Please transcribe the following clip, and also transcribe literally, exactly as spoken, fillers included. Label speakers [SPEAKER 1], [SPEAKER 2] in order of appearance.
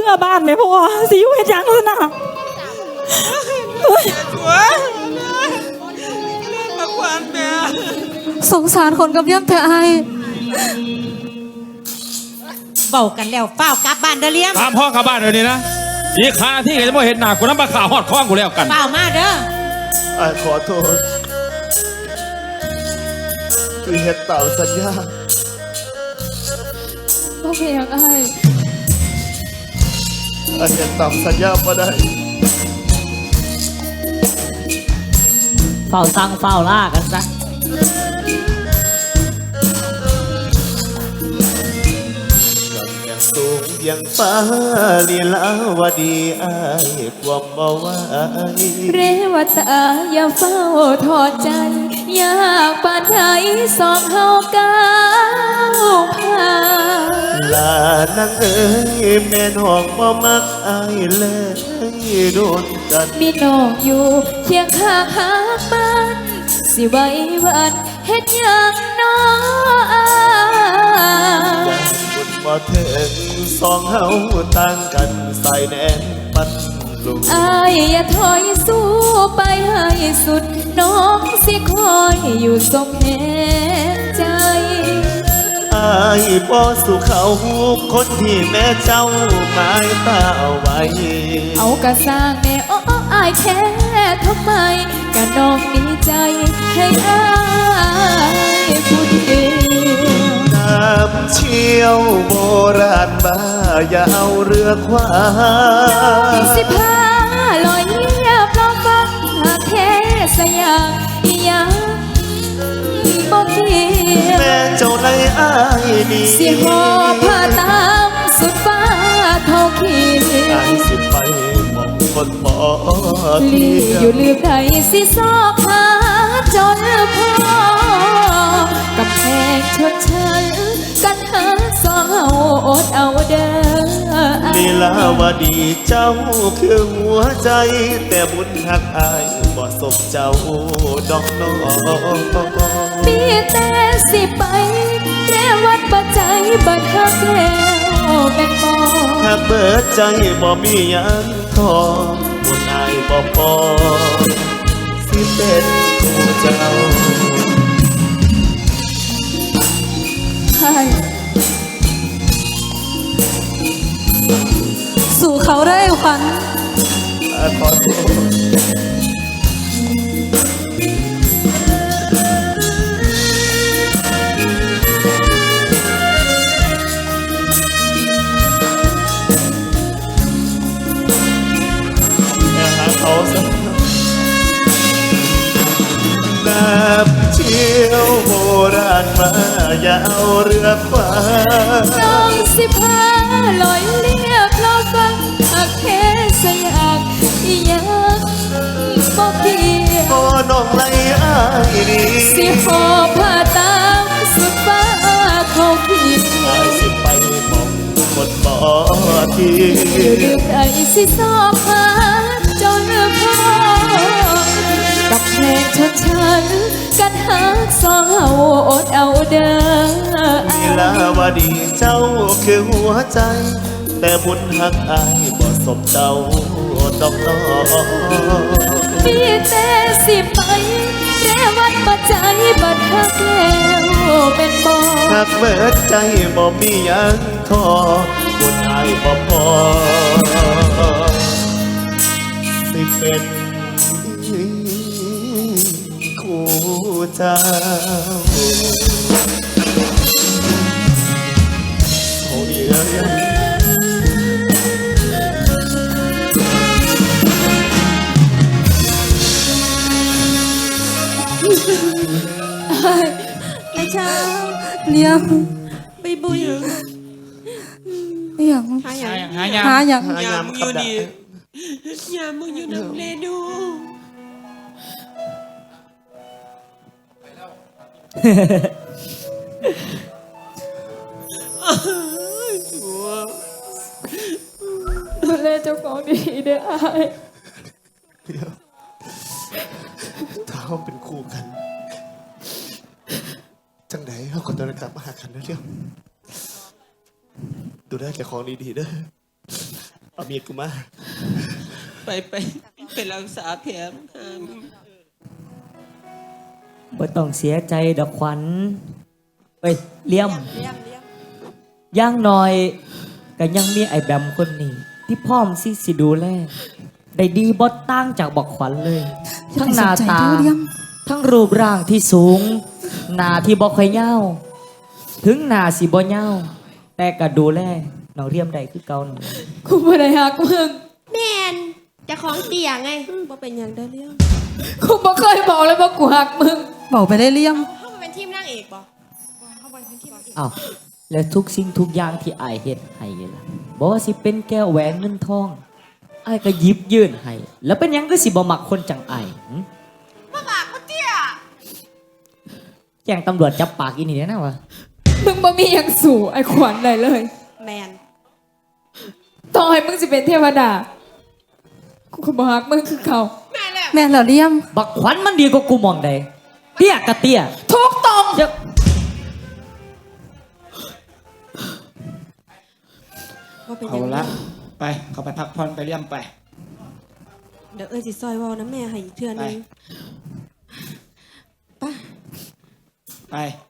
[SPEAKER 1] มื่อบ้านไหมพ่อสิอยู่เฮ็ดหยังซะนะเฮ้ย
[SPEAKER 2] หัวมาควันแม่
[SPEAKER 3] สงสารคนกับย่ำเธอไอ
[SPEAKER 4] เบากันแล้วเฝ้ากลับบ้านเด้อเลี้ยม
[SPEAKER 5] ตามพ่อกลับบ้านเดี๋ยวนี้นะอีกคาที่จะไม่เห็นหน้ากูน้ำปลาขาวหอดคล้องกูแล้วกัน
[SPEAKER 4] เฝ้ามาเด้อ
[SPEAKER 6] ไอ้ขอโทษที่เฮ็ดตามสัญญา
[SPEAKER 3] บ่เป็นหยังไอ
[SPEAKER 6] ไอ้เฮ็ดตามสัญญาบ่ได้
[SPEAKER 1] เฝ้าสั่งเฝ้าล่ากันซะ
[SPEAKER 6] สูงยังฟ้าลีลาวดีอายความบ่ไหว
[SPEAKER 3] เรวตาอย่าเฝ้าทอดใจ อยากปานไทยสองเฮาก้าวผ่าน
[SPEAKER 6] ลานางเอ้ยแม่น้องบ่มักอายเลยโดนกัน
[SPEAKER 3] มีน้องอยู่เคียงข้างหากมันสิไว้วันเฮ็ดหยังน้ออาย
[SPEAKER 6] คนบ่ถึงสองเฮาต่างกันสายแน่นปันลูก
[SPEAKER 3] อายอย่าถอยสู้ไปให้สุด น้องสิคอยอยู่ทรงแห่งใจ
[SPEAKER 6] อายบ่สู่เขาคนที่แม่เจ้าหมายตาเอาไว้
[SPEAKER 3] เอากระสร้างแน่โอ้อายแค่ทำไมกะน้องมีใจให้อายผู้เดียว
[SPEAKER 6] น้ำเชี่ยวโบราณบ้าอย่าเอาเรือควา
[SPEAKER 3] สิพาลอยเลียบลองฟังหากแท้สยามอีหยังบ่เกี่ยว
[SPEAKER 6] แม่เจ้าในอายดี
[SPEAKER 3] สิหอบผ้าตามสุดฟ้าเท่าเขี
[SPEAKER 6] อายสิไปมองคนบ่
[SPEAKER 3] ลี
[SPEAKER 6] เที่ย
[SPEAKER 3] อยู่ลืมใดสิซอกหาจนพอกับแพงชดเชยกันหาสองเฮาอดเอาเด้อ
[SPEAKER 6] ลีลาวดีเจ้าคือหัวใจ แต่บุญหักอายบ่สมเจ้าดอกน้อง
[SPEAKER 3] มีแต่สิไปแค่วัดปัจจัยบัดหักแล้วเป็นบ่
[SPEAKER 6] หักเบิดใจบ่มีหยังทอบุญอายบ่พอสิเป็นผู้เจ้า
[SPEAKER 3] ใช่สู่เขาได้ขวัญ
[SPEAKER 6] อ่าขอโทษอย่าหาเขาซะน้ำเชี่ยวโบราณมาอย่าเอาเรือควา
[SPEAKER 3] น้องสิพาลอยเลียบลอฟังหากแค่สยากอีหยังบ่เกี่ยว
[SPEAKER 6] โอ้น้องไรอายดี
[SPEAKER 3] สิหอบผ้าตามสุดฟ้าเขาผิด
[SPEAKER 6] อายสิไปมองคนบ่ที
[SPEAKER 3] อยู่ลืมใดสิสอบหาจนพอกับเพลงชดฉันกันหาสองเฮาอดเอาเด้อ
[SPEAKER 6] ลีลาวดีเจ้าคือหัวใจ แต่บุญหักอายบ่สมเจ้าดอกน้อง
[SPEAKER 3] มีแต่สิไปแค่วัดปัจจัยบัดหักแล้วเป็นบ่
[SPEAKER 6] หักเบิดใจบ่มีหยังทอบุญอายบ่พอสิเป็นคู่เจ้าโอ้ยเอ้ย
[SPEAKER 3] ไอ้ช้าเลี้ยง
[SPEAKER 2] ไปบุย
[SPEAKER 3] อหย่าง
[SPEAKER 2] หาอย่าง
[SPEAKER 5] หายา
[SPEAKER 3] หาอย่าง
[SPEAKER 6] หายามขับได้
[SPEAKER 2] ยามมึงอยู่น้ำเลดูหัว
[SPEAKER 3] ดูแลเจ้าของดีเด้ออาย
[SPEAKER 6] เดี๋ยวถ้าเราเป็นคู่กัน จังไดเขาก็ต้องกลับมาหากันเรื่อยๆดูได้แก่ของดีๆเด้อเอามีดกูมา
[SPEAKER 2] ไปไปไปรักษาแผลมึงหามึง
[SPEAKER 1] บ่ต้องเสียใจดอกขวัญเอ้ยเลี่ยมย่างหน่อยก็ยังมีไอ้แบมคนนี้ ที่พร้อมสิสิดูแลได้ดีบ่ต่างจากบักขวัญเลย ทั้งหน้าตา ทั้งรูปร่างที่สูง หน้าที่บ่ค่อยยาวถึงหน้าสิบ่ยาวแต่ก็ดูแลน้องเรียมได้คือเก่านั่นแหละ
[SPEAKER 3] กูบ่ได้หักมึง
[SPEAKER 7] แมนจะของเตียไงบ่เป็นอย่างเด้อเรื่อง
[SPEAKER 3] กูบ่เคยบอกเลยว่ากูหักมึง
[SPEAKER 4] เบาไปได้เลี่ยม
[SPEAKER 7] เขามาเป็นทีมนางเอกบ่
[SPEAKER 1] อ้าวและทุกสิ่งทุกอย่างที่อายเฮ็ดให้ล่ะบ่ว่าสิเป็นแก้วแหวนเงินทองอายก็หยิบยื่นให้แล้วเป็นหยังก็สิบ่มักคนจังอายหึ
[SPEAKER 7] มาบากมาเตี้ย
[SPEAKER 1] แจ้งตำรวจจับปากอีนี่แน่นะวะ
[SPEAKER 3] มึงบ่มีหยังสู่ไอ้ขวัญได้เลย
[SPEAKER 7] แมน
[SPEAKER 3] ต่อให้มึงสิเป็นเทวดา กูก็บ่ฮักมึงคือเขา
[SPEAKER 7] แม่แล้ว
[SPEAKER 4] แม่นแล้วเลี่ยม
[SPEAKER 1] บักขวัญมันดีกว่ากูมองใดเตี้ยกะเตี้ย
[SPEAKER 3] ทุกตรง
[SPEAKER 1] เจ้า
[SPEAKER 7] ว่าเป็นอ
[SPEAKER 8] เอา
[SPEAKER 7] ย่าง
[SPEAKER 8] ละ
[SPEAKER 7] นั้น
[SPEAKER 8] ไป เขาไปพักผ่อนไปเลี่ยมไป
[SPEAKER 7] เดี๋ยวเอ้ยสิซอยเว้านะแม่ให้อีกเทื่อนึง
[SPEAKER 8] ไป